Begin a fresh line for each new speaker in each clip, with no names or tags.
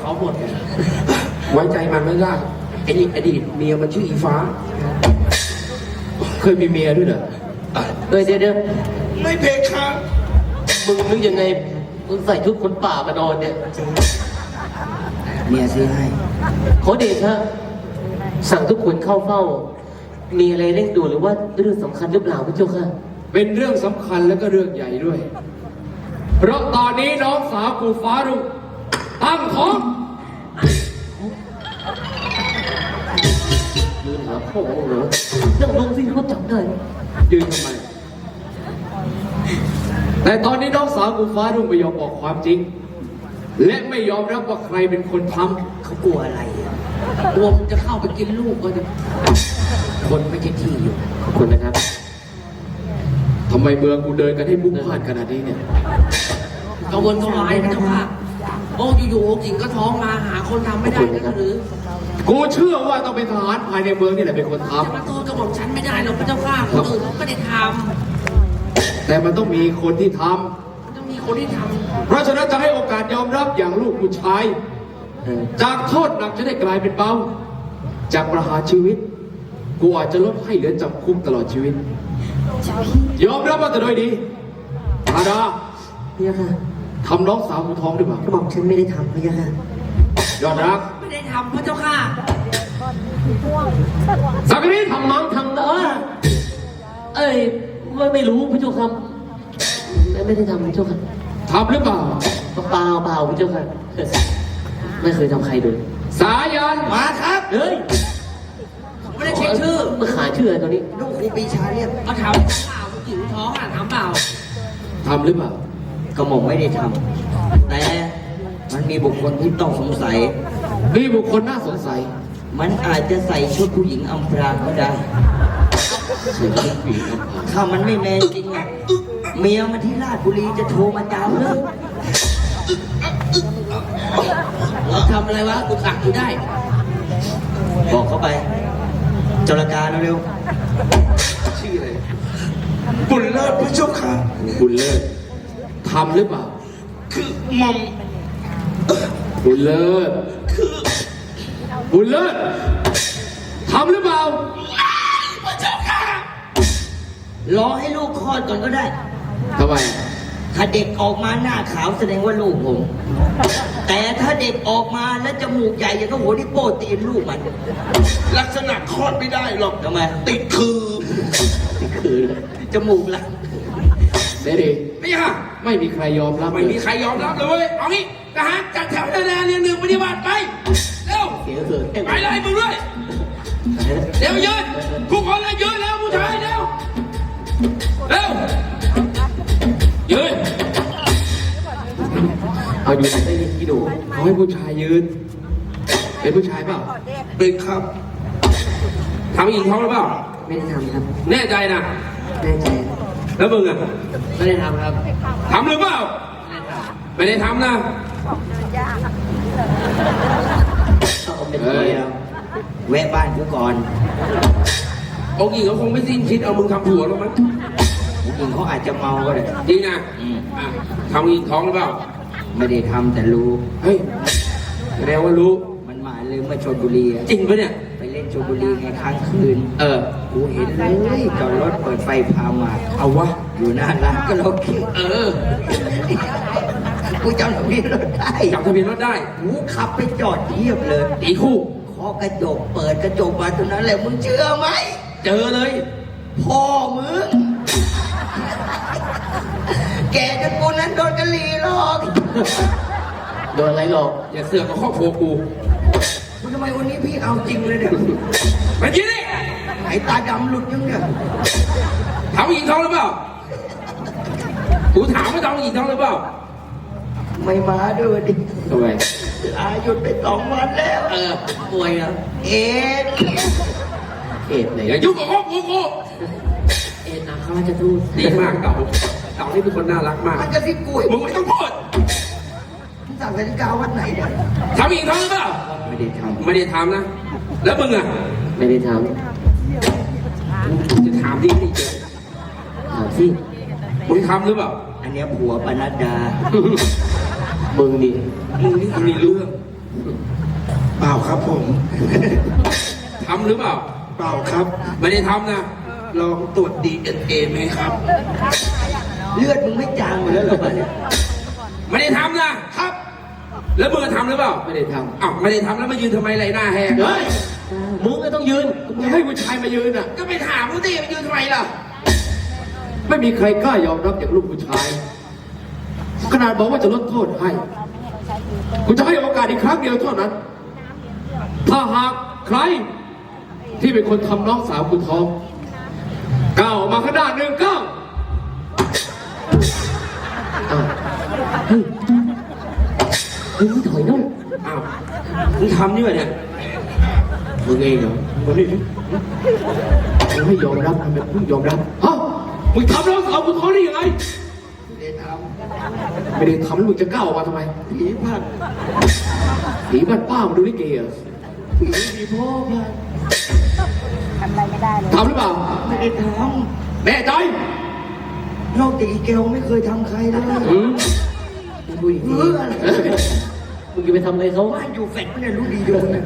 เขาหมด
ไว้ใจมันไม่ได้ไอ้นี่อดีตเมียมันชื่ออีฟ้าเคยมีเมียด้วยเหรอ
เดี๋ยว
ไม่เพคครับ
มึงนึกยังไงมึงใส่ชุดคนป่ามานอนเนี่ย
เมียซื้อให้
ขอเดชะสั่งทุกคนเข้าเฝ้า มีอะไรเร่งด่วนหรือว่าเรื่องสำคัญหรือเปล่าพระเจ้าค่ะ
เป็นเรื่องสำคัญแล้วก็เรื่องใหญ่ด้วย เพราะตอนนี้น้องสาวกูฟ้ารุ่งตั้งท้อง
ยืนหาพ่อเหรอนั่งลงสิเขาจับได้
ยืนทำไม แต่ตอนนี้น้องสาวกูฟ้ารุ่งไม่ยอมบอกความจริง และไม่ยอมรับว่าใครเป็นคนทำ
เขากลัวอะไรกลัวมันจะเข้าไปกินลูกก็จะคนไม่ใช่ที่อยู่
ขอบคุณนะครับ
ทำไมเมืองกูเดินกันให้มุ่งพลาดขนาดนี้เนี่ย
กังวลกังวายนะเจ้าค่ะโอ้อยู่ๆองค์หญิงก็ท้องมาหาคนทำไม่ได้นะหรือ
กูเชื่อว่าต้องเป็นทหารภายในเมืองนี่แหละเป็นคนท
จะมาโทษกระบอกฉันไม่ได้หรอกพระเจ้าค่ะคนอื่นเขาไม่ได้ท
ำแต่มันต้องมีคนที่ท
ำต้องมีคนที่ท
ำเพราะฉะนั้นจะให้โอกาสยอมรับอย่างลูกผู้ชาย จากโทษหนักจะได้กลายเป็นเบา จากประหารชีวิต กูอาจจะลดให้เหลือจำคุกตลอดชีวิต ยอมรับมาแต่โดยดีอาดา
พระยาค่ะ
ทำน้องสาวกูท้องหรือเปล่าก
ระบอกฉันไม่ได้ทำพระยาค่ะ
ยอดรัก
ำไม่ได้ทำพระเจ้าค่ะ
สักนิด
ทำมั้งทำนะเอ้ยไม่รู้พระเจ้าค่ะไม่ได้ทำพระเจ้าค่ะ
ทำหรือเปล่า
เปล่าพระเจ้าค่ะไม่เคยทำใครเลย
สายัน
มาครับ
เฮ้ย
ไม่ได้เช็คชื่อ
มาขาชื่ออะไรตอนนี้
ลูกครูปีชาเรียกเอาถามเปล่าผู้หญิงท้องอ่ะถามเปล่า
ทำหรือเปล่า
กระหม่อมไม่ได้ทำแต่มันมีบุคคลที่ต้องสงสัย
มีบุคคลน่าสงสัย
มันอาจจะใส่ชุดผู้หญิงอำพรางก็ได้ ถ้ามันไม่แมนจริงอะเมียมาที่ราชบุรีจะโทรมาจามเลยทำอะไรวะกูขักอยู่ได้ บอกเขาไปจรการเร็ว
ชื่ออะไร
บุญเลิศพระเจ้าค่ะ
บุญเลิศทำหรือเปล่า
คือหม่อม
บุญเลิศบุญเลิศทำหรือเปล่า
พระเจ้าค่ะ
ๆรอให้ลูกคลอดก่อนก็ได้
ทำไม
ถ้าเด็กออกมาหน้าขาวแสดงว่าลูกผม แต่ถ้าเด็กออกมาแล้วจมูกใหญ่อย่างกับหัวที่โป้ตีนลูกมัน
ลักษณะคลอดไม่ได้หรอก
ทำไม
ติดคือ
คือจมูกละ
เสรี
ไม่ค่ะ
ไม่มีใครยอมรับ
ไม่มีใครยอมรับเลยเว้ยเอางี้ทหารจัดแถวหน้าเรียงหนึ่งปฏิบัติไปเร็ว
เสียเถิด
ไปเลยมึงด้วยเร็วยืนทุกคนเลยยืนแล้วผู้ชายเร็วเร็วยืน
เอาอยู่ไหนได้ยินกี่ดูเขาให้ผู้ชายยืน เป็นผู้ชายเปล่า
เป็นครับทำหญิงท้องหรือเปล่า
ไม่ได้ทำครับ
แน่ใจนะ
แน่ใจ
แล้วมึงอะ
ไม่ได้ทำครับ
ทำหรือเปล่าไม่ได้ทำนะ
เอาเป็นตัวแล้วแวะบ้านกูก่อน
องค์หญิงเขาคงไม่สิ้นคิดเอามึงทำผัวหรอกมั้ง
ผู้หญิงเขาอาจจะเมาก็ได้
จริงนะ
อืม
อ่ะทำหญิงท้องหรือเปล่า
ไม่ได้ทำแต่รู้
เฮ้ยแสดงว่ารู้
มันมาเลยมาชลบุรีอะ
จริงปะเนี่ย
ไปเล่นชลบุรีไงค้างคืน กูเห็นเลยจอดรถเปิดไฟพามา
เอาวะ
อยู่หน้าร้านก็เราเที่ยว กูจำทะเบียนรถได้
จับทะเบียนรถได้
กูขับไปจอดเทียบเลย
ตีคู่
เคาะกระจกเปิดกระจกมาตรงนั้นแหละมึงเชื่อไหม
เจอเลย
พ่อมึง แกจนกูนั้นโดนกะหรี่หรอก
โดนอะไรหรอก
อย่าเสือกกับครอบครัวกู
มึงทำไมวันนี้พี่เอาจริงเลยเนี่ย
ไปกินดิ
ไหนตาดำหลุดยังเนี่ย
ทำหญิงท้องหรือเปล่ากูถามว่าทำหญิงท้องหรือเปล่า
ไม่มาด้วยดิ
ทำไม
อาหยุดไป2 วันแล้ว ป่วยอ่ะเอ็ด
เอ็ดไหน
อย่ายุ่งกับครอบครัวกู
เอ็ดนะข้าราชทูต
ดีมากเต่าเต่านี่เป็นคนน่ารักมาก
มันจะที่กุย
มึงไม่ต้องพูด
มึงสั่งนาฬิกาวันไหนเนี่ย
ทำหญิงท้องหรือเปล่า
ไม่ได้ท
ไม่ได้ทำนะ แล้วมึงอะ
ไม่ได้ท
จะถามดิสิ
ำถามสิ
มึงทำหรือเปล่า
ำอันเนี้ยผัวปนัดดา
มึงนี่
มึงนี่มีเรื่อง
ผ
เปล่าครับผม ทำหรือเปล่า เปล่าครับ ไม่ได้ทำนะ ลองตรวจ DNA ไหมครับ
เลือดมึงไม่จางหมดแล้วเหรอวะเนี่ย
ไม่ได้ทำนะครับ แล้วมึงทำหรือเปล่า
ไม่ได้ท
อ้าวไม่ได้ทำแล้วมายืนทำไมไรหน้าแหก
ำเฮ้ย
มึงก็ต้องยืน
มึงให้ผู้ชายมายืนอ่ะ
ก็ไปถามกูสิมายืนทำไมล่ะ
ไม่มีใครกล้ายอมรับอย่างลูกผู้ชาย ขนาดบอกว่าจะลดโทษให้กูจะให้โอกาสอีกครั้งเดียวเท่านั้น ถ้าหากใครที่เป็นคนทำน้องสาวกูท้องก้าวออกมาข้างหน้าหนึ่งก้าว
อ้าวเฮ้ยเฮ้ยมึงถอยนู่น
อ้าวมึงทำนี่วะเนี่ย
มึงเองเหรอมึงนี่มึงไม่ยอมรับทำไมมึงยอมรับฮะมึงทำน้องสาวกูท้องได้ยังไง ไม่ได้ทำแล้วมึงจะก้าวออกมาทำไม
ผีผัด
ผีบ้านป้ามาดูลิเกเหรอ
ผีพ่อผัด
ทำอะไรไม่ได้เลย
ทำหรือเปล่า
ไม่ได้ท
แน่ใจ
ำนอกจากอีเกลไม่เคยทำใครเลย
อืม
ผู้หญิง
เอ
ดี
ออะไร
มึงจะไปทำอะไรเขา
บ้านอยู่แฟลตไม่ได้รู้ดีอยู่เนี่ย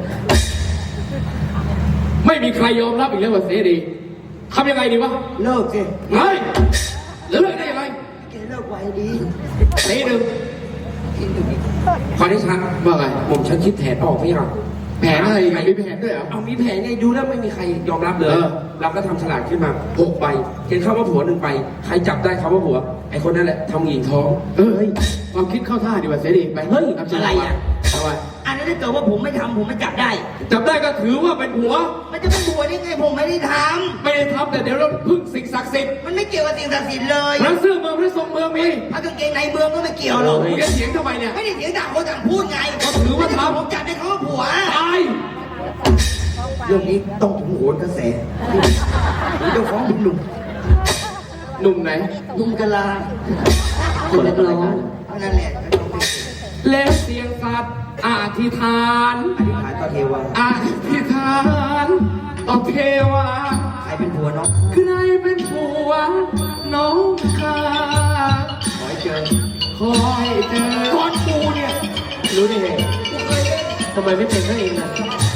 ไม่มีใครยอมรับอีกแล้วว่าเสรีทำยังไงดีวะ
เลิกสิ
เฮ้ยแล้วเลิกได้ยังไง
แกเลิกไวดี
ตีหนึ่ง
ขอได้ชัก
ว่าไง
ผมฉันคิดแผนออกพี่ครับ
แผนอะไรอีกอะมีแผนด้วยเหรอ
เอามีแผนไงดูแล้วไม่มีใครยอมรับเลย
เออ
เราก็ทำฉลากขึ้นมา6 ใบเขียนคำว่าผัว1 ใบใครจับได้คำว่าผัวไอ้คนนั้นแหละทำหญิงท้อง
เฮ้ยความคิดเข้าท่าดีกว่าเสรีไปเฮ้ยทำฉลากมาเอาไว้
อันนั้นถ้าเกิดว่าผมไม่ทำผมไม่จับได้
จับได้ก็ถือว่าเป็นผัว
มันจะเป็นบัวได้ไงผมไม่ได้ท
ไม่ได้ทำแต่เดี๋ยวเราพึ่งสิ่งศักดิ์สิทธิ์
ำมันไม่เกี่ยวกับสิ่งศักดิ์สิทธิ์เลย
พระเสื้อเมืองพระทรงเมืองมี
พระกางเกงในเมืองก็ไม่เกี่ยวหรอก
มึงจะเถียงทำไมเนี่ย
ไม่ได้เสียงด่าคนต่างพูดไง
ก็ถือว่าทำ
ผมจับได้เขาว่าผัว
ตาย
เรื่องนี้ต้องถึงโหนกระแสผมจะฟ้องคุณหนุ่ม
หนุ่มไหน
หนุ่มกะลา
คนละร้อง
นั่นแหละ
แล้วเสียงสัตว์อธิษฐาน
อธิษฐานต่อเทวา
อธิษฐานต่อเทวา
ใครเป็นผัวน้อง
ใครเป็นผัวน้องข้า
ขอให้เจอ
คอยเจอ
ก่อนกูเนี่ย
รู้ได้ไง
ทำไมไม่เป็นเขาเองล่ะ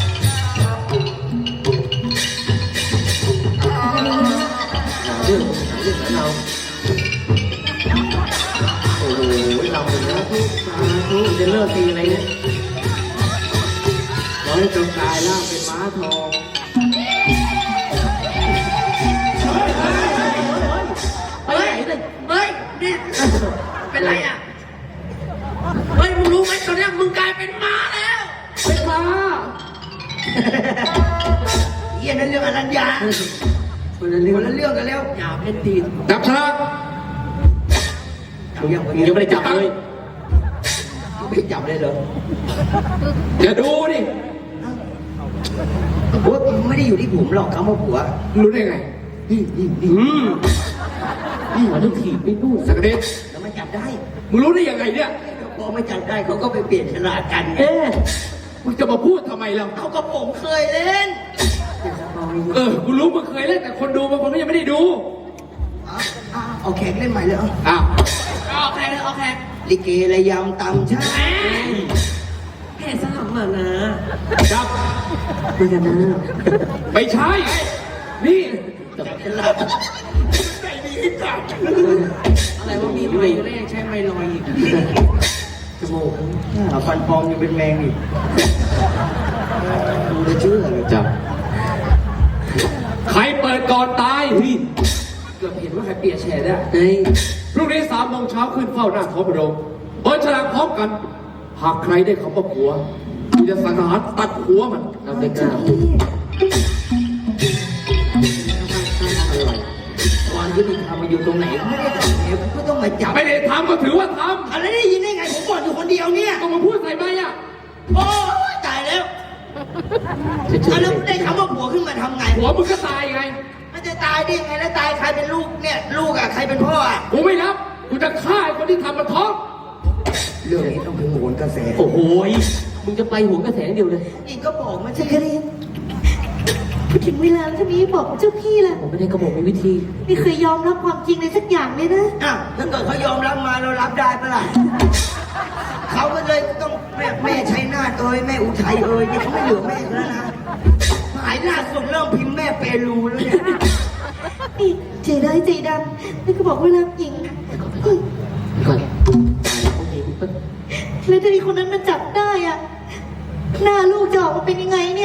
หาเรื่องเรา โอ้โหเราเป็นนะทุกสาธุจะเลิกตีอะไรเนี่ย
ขอให้จงกลายร่างเป็นม้าทอง
ไปไหนเลย
เฮ้ยนี่เป็นไรอ่ะเฮ้ยมึงรู้ไหมตอนเนี้ยมึงกลายเป็นม้าแล้ว
เป็นม้า
เฮียนั่นเรื่องอนัญญาคนละเรื่องกันแล้วอย่าเล่นตีน
จับฉลาก
เอาอย่าง
มึงยังไม่ได้จับเลย
ไม่จับเลยเหรอ
อย่าดูดิ
โอ้ยมันไม่ได้อยู่ที่ผมหรอกคำว่าผัว
รู้ได้ไง
นี่
หัวต้องถีบไปนู่น
สักนิด
แล้วมันจับได้
มึงรู้ได้ยังไงเนี่ย
พอไม่จับได้เขาก็ไปเปลี่ยนฉลากกันไง
เอ๊ะ
มึงจะมาพูดทำไมเรา
เขาก็ผมเคยเล่น
กูรู้มึงเคยเล่นแต่คนดูบางคนก็ยังไม่ได้ดู
เอาแขกเล่นใหม่เลยเอา
อ้าว
เอาแขกเลยเอาแขกลิเกระยำตำใช่
แค่สลับมานะ
จับ
เหมือนกันนะ
ไม่ใช่ นี่
จับฉลากใจดีจับ
อะไรว่ามีไมแรกใช้ไมลอยอีก
จมูกฟันปลอมยังเป็นแมงอีกดูจะเชื่อเลย
จับ ใครเปิดก่อนตายพี่
เกือบเห็นว่าใครเปียกแฉได้
เฮ้ย
พรุ่งนี้3 โมงเช้าขึ้นเฝ้าหน้าท้องพระโรงเปิดฉลากพร้อมกัน หากใครได้คำว่าผัวกูจะสังหารตัดหัวมัน
เราไม่กล้า
ความยุติธรรมมาอยู่ตรงไหนไม่ได้ทำเองก็ต้องมาจับ
ไม่ได้ทำก็ถือว่าท
อะไรได้ยินได้ไงผมบอกอยู่คนเดียวเนี่ย
ำต้องมาพูดใส่ไหมอ่ะ
โอ้ยตายแล้ว
จะเจอ
แล้วได้คำว่าผัวขึ้นมาทำไง
หัวมึงก็ตายไง
มันจะตายได้ยังไงแล้วตายใครเป็นลูกเนี่ยลูกอ่ะใครเป็นพ่ออ่ะ
กูไม่รับ กูจะฆ่าไอ้คนที่ทำมันท้อง
เรื่องนี้ต้องถึงโหนกระแส
โอ้โหมึงจะไปหัวกระแสเดียวเลย
อีกก็บอกมันใช่แค่นี้
ถึงเวลาแล้วทำไมไม่บอกเจ้าพี่ล่ะ
ผมไม่ได้กระบอกมีวิธี
ไม่เคยยอมรับความจริงเลยสักอย่างเลยนะ
อ้าวถ้าเกิดเขายอมรับมาเรารับได้ปะล่ะเขาก็เลยต้องแม่ชัยนาทเอ่ยแม่อุทัยเอ่ยเนี่ยเขาไม่เหลือแม่แล้วนะหายล่าสุดเริ่มพิมพ์แม่เปรูแล้วเนี่ย
นี่ใจร้ายใจดำแล้วก็บอกว่ารักหญิง
ก่อน
แล้วถ้ามีคนนั้นมาจับได้อะหน้าลูกจะออกมาเป็นยังไงเนี่ย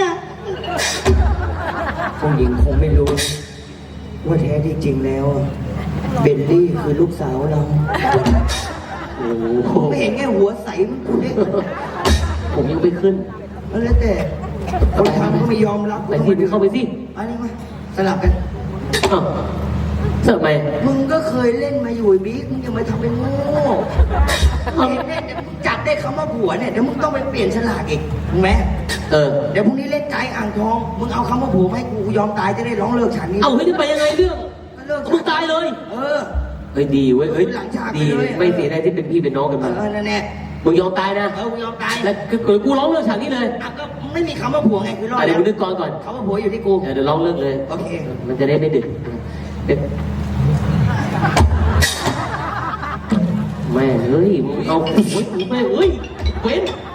ผู้หญิงคงไม่รู้ ว่าแท้ที่จริงแล้วเบลลี่คือลูกสาวเรา
โอ้โห
ไม่เห็นแค่หัวใสมันกูเนี่ย
ผมยังไม่ขึ้น
แล้วแต่คนทำก็ไม่ยอมรับ
ไปที่มึงเข้าไปสิ
อันนี้มาสลับกัน
อ้าวเสิร์ฟไหม
มึงก็เคยเล่นมาอยู่ไอ้บิ๊กมึงอย่ามาทำเป็นโง่เล่นเล่นเดี๋ยวมึงจับได้คำว่าผัวเนี่ยเดี๋ยวมึงต้องไปเปลี่ยนฉลากอีกถูกไหม
เออ
เดี๋ยวพรุ่งนี้เล่นใจอ่างทอง มึงเอาคำว่าผัวมาให้กูยอมตายจะได้ร้องเลิกฉันนี่
เอาเฮ้ยจะไปยังไงเรื่อง
ก็เลิก
มึงตายเลย
เออ
เฮ้ยดีเว้ย เฮ้ย
หลังฉาก
ดี
ไปเลย
ไม่เสียดายที่เป็นพี่เป็นน้องกัน
เอ
มา
อนั่นแหละ
มึงยอมตายนะ
เออกูยอมตาย
แล้วกูร้องเรื่องฉากนี้เลย
อ่ะก็ไม่มีคำว่าผัวไงคือรอด
เดี๋ยว
แล้ว
กูนึกก่อน
คำว่าผัวอยู่ที่กู
เดี๋ยวร้องเรื่องเลย
โอเค
มันจะได้ไม่ดึกเดี๋ยวแม่เฮ้ยมึงเอาโอ้ยแม่เฮ้ยเว้น